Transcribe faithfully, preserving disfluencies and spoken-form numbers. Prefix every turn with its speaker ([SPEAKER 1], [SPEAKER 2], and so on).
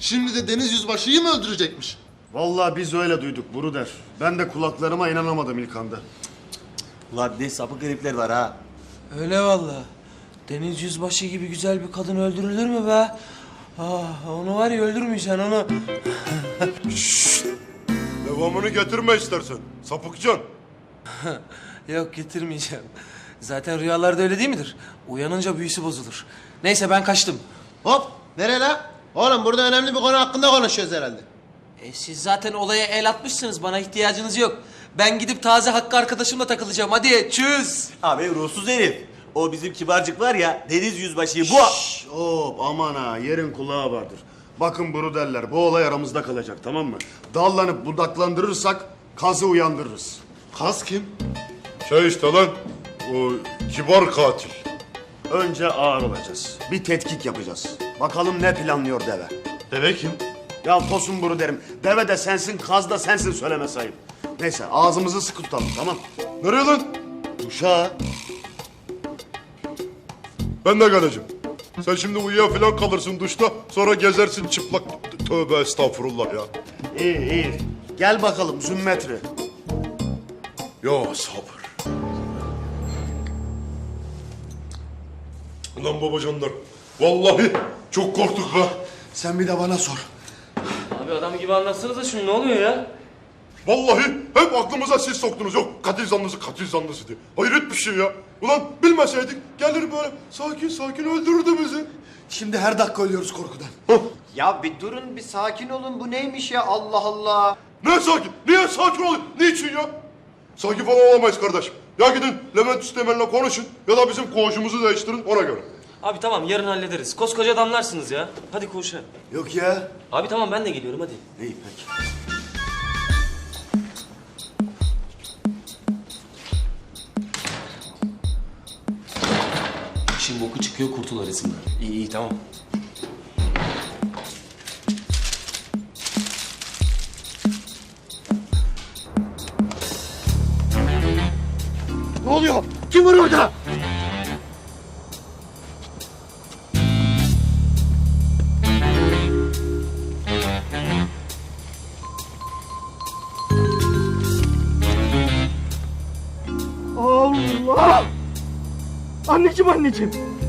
[SPEAKER 1] Şimdi de Deniz Yüzbaşı'yı mı öldürecekmiş?
[SPEAKER 2] Vallahi biz öyle duyduk Buruder. Ben de kulaklarıma inanamadım ilk anda.
[SPEAKER 3] Ulan ne sapık herifler var ha.
[SPEAKER 4] Öyle vallahi. Deniz Yüzbaşı gibi güzel bir kadın öldürülür mü be? Ah, onu var ya öldürmeyeceksin onu.
[SPEAKER 5] Devamını getirme istersen. Sapıkcan.
[SPEAKER 4] Yok getirmeyeceğim. Zaten rüyalarda öyle değil midir? Uyanınca büyüsü bozulur. Neyse ben kaçtım.
[SPEAKER 6] Hop, nereye la? Oğlum burada önemli bir konu hakkında konuşuyoruz herhalde.
[SPEAKER 4] E siz zaten olaya el atmışsınız. Bana ihtiyacınız yok. Ben gidip taze Hakkı arkadaşımla takılacağım. Hadi çüz.
[SPEAKER 3] Abi ruhsuz herif. O bizim kibarcık var ya, Deniz Yüzbaşı'yı bu...
[SPEAKER 2] Şşş, hop aman ha, yerin kulağı vardır. Bakın Buruderler, bu olay aramızda kalacak, tamam mı? Dallanıp budaklandırırsak kazı uyandırırız.
[SPEAKER 1] Kaz kim?
[SPEAKER 5] Şey işte lan. O kibar katil.
[SPEAKER 2] Önce ağır olacağız. Bir tetkik yapacağız. Bakalım ne planlıyor deve.
[SPEAKER 1] Deve kim?
[SPEAKER 2] Ya Tosun Buruderim, deve de sensin, kaz da sensin, söyleme sayın. Neyse, ağzımızı sıkı tutalım, tamam?
[SPEAKER 5] Nereye lan?
[SPEAKER 2] Uşağa.
[SPEAKER 5] Ben de geleceğim. Sen şimdi uyuya falan kalırsın duşta. Sonra gezersin çıplak. Tövbe estağfurullah ya.
[SPEAKER 2] İyi, iyi. Gel bakalım Zümmetri.
[SPEAKER 5] Ya sabır. Ulan babacanlar. Vallahi çok korktuk be.
[SPEAKER 1] Sen bir de bana sor.
[SPEAKER 4] Abi adam gibi anlatsanıza şunu, ne oluyor ya?
[SPEAKER 5] Vallahi hep aklımıza siz soktunuz. Yok katil zanlısı katil zanlısı diye. Hayret bir şey ya. Ulan bilmeseydik gelir böyle sakin sakin öldürürdü bizi.
[SPEAKER 1] Şimdi her dakika ölüyoruz korkudan.
[SPEAKER 6] Ya bir durun, bir sakin olun. Bu neymiş ya? Allah Allah.
[SPEAKER 5] Ne sakin? Niye sakin olun? Niçin ya? Sakin falan olamayız kardeşim. Ya gidin Levent Üstemel'le konuşun ya da bizim koğuşumuzu değiştirin ona göre.
[SPEAKER 7] Abi tamam yarın hallederiz. Koskoca adamlarsınız ya. Hadi koşa.
[SPEAKER 1] Yok ya.
[SPEAKER 7] Abi tamam ben de geliyorum hadi.
[SPEAKER 2] İyi, peki.
[SPEAKER 7] İşin boku çıkıyor kurtul arasında. İyi iyi tamam.
[SPEAKER 2] Ne oluyor? Kim var orada?
[SPEAKER 8] Allah! Anneciğim anneciğim.